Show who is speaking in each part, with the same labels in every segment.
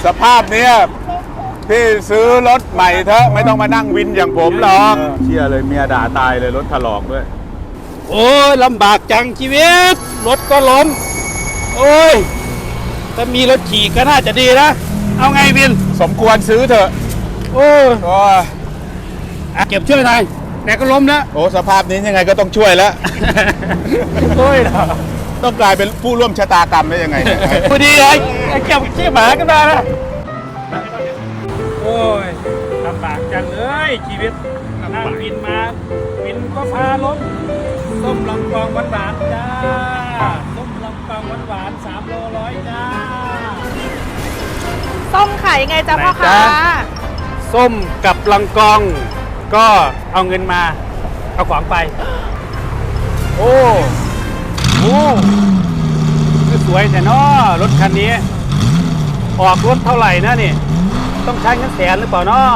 Speaker 1: ภาพเนี้ยพี่ซื้อรถใหม่เถอะไม่ต้องมานั่งวินอย่างผมหรอกเชื่อเลยเมียด่าตายเลยรถถลอกด้วย
Speaker 2: โอ้ยลำบากจังชีวิตรถก็ล้มโอ้ยถ้ามีรถขี่ก็น่าจะดีนะเอาไงวิน
Speaker 1: สมควรซื้อเถอะ
Speaker 2: โอ้ยเก็บช่วยหน่อยแต่ก็ล้มแล้ว
Speaker 1: โอ้สภาพนี้ยังไงก็ต้องช่วยแล้ว
Speaker 2: โอ้ย
Speaker 1: ต้องกลายเป็นผู้ร่วมชะตากรรมได้ยังไง
Speaker 2: พอดีไอ้เก็บขี้หมากันมานะโอ้ยลำบากจังเลยชีวิตนั่งวินมาวินก็พาล้มส้มลำกองหวานๆจ้าส้มลำกองหวานๆ3 โล 100จ้า
Speaker 3: ส้มขายยังไงจ๊ะพ่อค้า
Speaker 2: ส้มกับลังกองก็เอาเงินมาเอาของไปโอ้สวยแต่น้อรถคันนี้ออกรถเท่าไหร่นะนี่ต้องใช้เงินแสนหรือเปล่าน้อ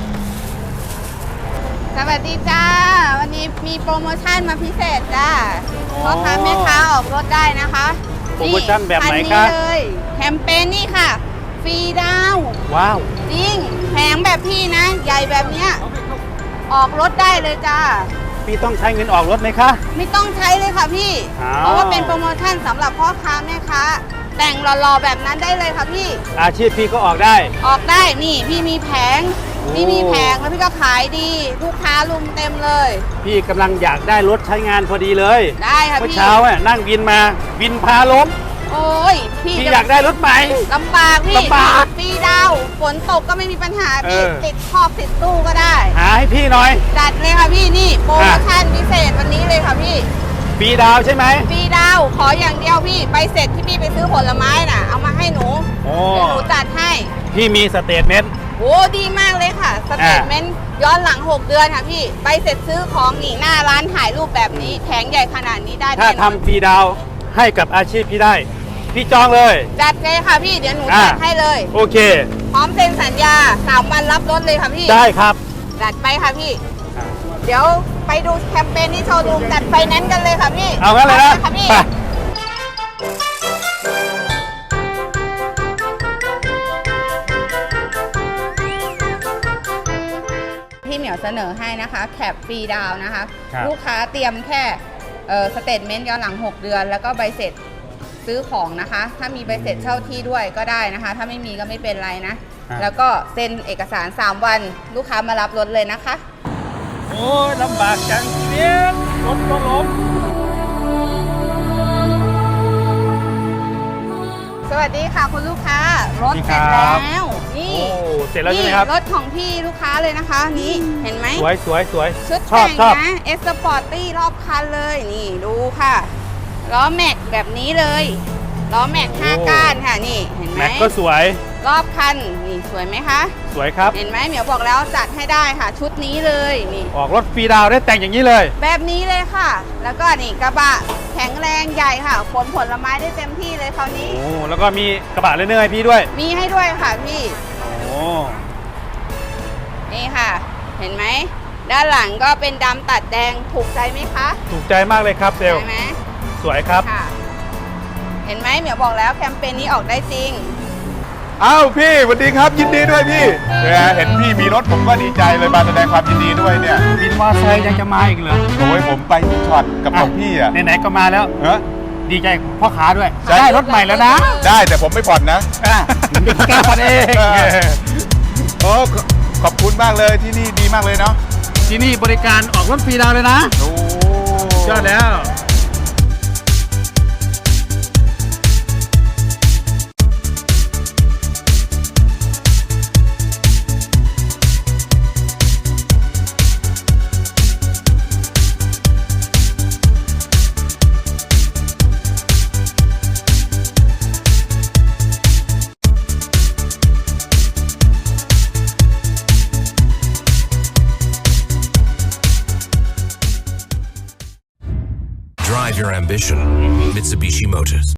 Speaker 3: สวัสดีจ้าวันนี้มีโปรโมชั่นมาพิเศษจ้าพ่อค้าแม่ค้าออกรถได้นะคะ
Speaker 2: โปรโมชั่นแบบไหนคะ
Speaker 3: เลยแคมเปญนี่ค่ะฟรีดาว
Speaker 2: ว้าว
Speaker 3: จริงแผงแบบพี่นะใหญ่แบบเนี้ยออกรถได้เลยจ้า
Speaker 2: พี่ต้องใช้เงินออกรถไหมคะ
Speaker 3: ไม่ต้องใช้เลยค่ะพี่เพราะว่าเป็นโปรโมชั่นสำหรับพ่อค้าแม่ค้าแต่งหล่อๆแบบนั้นได้เลยค่ะพี่
Speaker 2: อาชีพพี่ก็ออกได้
Speaker 3: นี่พี่มีแผงแล้วพี่ก็ขายดีลูกค้าลุมเต็มเลย
Speaker 2: พี่กำลังอยากได้รถใช้งานพอดีเลย
Speaker 3: ได้ค่ะพี่
Speaker 2: เมื่อเช้านั่งวินมาวินพาล้ม
Speaker 3: โอ้ย
Speaker 2: พี่อยากได้รถใหม่
Speaker 3: ลำบากพี่ฟรีดาวฝนตกก็ไม่มีปัญหาพี่ติดคอกติดตู้ก็ได้
Speaker 2: หาให้พี่หน่อย
Speaker 3: จัดเลยค่ะพี่นี่โปรโมชั่นพิเศษวันนี้เลยค่ะพี่
Speaker 2: ฟรีดาวใช่ไหม
Speaker 3: ฟรีดาวขออย่างเดียวพี่ใบเสร็จที่พี่ไปซื้อผลไม้น่ะเอามาให้หนูเดี๋ยวหนูจัดให้
Speaker 2: พี่มีสเตทเมนต์
Speaker 3: โอ้ดีมากเลยค่ะสเตทเมนต์ย้อนหลัง6 เดือนค่ะพี่ใบเสร็จซื้อของนี่หน้าร้านถ่ายรูปแบบนี้แผงใหญ่ขนาดนี้ได้
Speaker 2: ถ้าทำฟรีดาวให้กับอาชีพพี่ได้พี่จองเลย
Speaker 3: จัดเลยค่ะพี่เดี๋ยวหนูจัดให้เลย
Speaker 2: โอเค
Speaker 3: พร้อมเซ็นสัญญา3 วันรับรถเลยค่ะพี่
Speaker 2: ได้ครับ
Speaker 3: จัดไปค่ะพี่เดี๋ยวไปดูแคมเปญที่โชว์รูมจัดไฟแนนซ์กันเลยค่ะพี่
Speaker 2: เอางั้นเลยนะ
Speaker 3: พี่เหมียวเสนอให้นะคะแคปฟรีดาวนะคะลูกค้าเตรียมแค่สเตทเมนต์ย้อนหลัง6 เดือนแล้วก็ใบเสร็จซื้อของนะคะถ้ามีใบเสร็จเช่าที่ด้วยก็ได้นะคะถ้าไม่มีก็ไม่เป็นไรนะแล้วก็เซ็นเอกสาร3 วันลูกค้ามารับรถเลยนะคะ
Speaker 2: โอ้ยลำบากจังชีวิตรถก็ล้ม
Speaker 3: สวัสดีค่ะคุณลูกค้ารถเสร็จแล้วนี่
Speaker 2: เสร็จแล้วใช่ไหมครับ
Speaker 3: รถของพี่ลูกค้าเลยนะคะนี่เห็นไหม
Speaker 2: สวย
Speaker 3: ชุดแต่งนะเอสปอร์ตี้รอบคันเลยนี่ดูค่ะล้อแม็กแบบนี้เลยล้อแม็ก5 ก้านค่ะนี่เห็นไหม
Speaker 2: แม็กก็สวย
Speaker 3: รอบคันนี่สวยไหมคะ
Speaker 2: สวยครับ
Speaker 3: เห็นไหมเหมียวบอกแล้วจัดให้ได้ค่ะชุดนี้เลยนี่
Speaker 2: ออกรถฟรีดาวได้แต่งอย่างนี้เลย
Speaker 3: แบบนี้เลยค่ะแล้วก็นี่กระบะแข็งแรงใหญ่ค่ะขนผลไม้ได้เต็มที่เลยคราวนี้
Speaker 2: โอ้แล้วก็มีกระบะเลเนอร์ให้พี่ด้วย
Speaker 3: มีให้ด้วยค่ะพี่
Speaker 2: โอ้
Speaker 3: นี่ค่ะเห็นไหมด้านหลังก็เป็นดำตัดแดงถูกใจไหมคะ
Speaker 2: ถูกใจมากเลยครับเซล
Speaker 3: ใช่ไหม
Speaker 2: สวยครับ
Speaker 3: เห็นไหมเหมียวบอกแล้วแคมเปญนี้ออกได้จริง
Speaker 1: อ้าวพี่สวัสดีครับยินดีด้วยพี่เห็นพี่มีรถผมก็ดีใจเลยมาแสดงความยินดีด้วยเนี่ย
Speaker 2: บินมอไซค์ยังจะมาอีกเหรอ
Speaker 1: โอ้ยผมไปช็อตกับของพี่อ่ะ
Speaker 2: ไหนๆก็มาแล้วดีใจพ่อค้าด้วยได้รถใหม่แล้วนะ
Speaker 1: ได้แต่ผมไม่ผ่อนนะ
Speaker 2: แก้ผ่อนเอง
Speaker 1: โอ้ขอบคุณมากเลยที่นี่ดีมากเลยเนาะ
Speaker 2: ที่นี่บริการออกรถฟรีดาวเลยนะ
Speaker 1: โอ้
Speaker 2: ยอดแล้ว
Speaker 4: Drive your ambition. Mitsubishi Motors.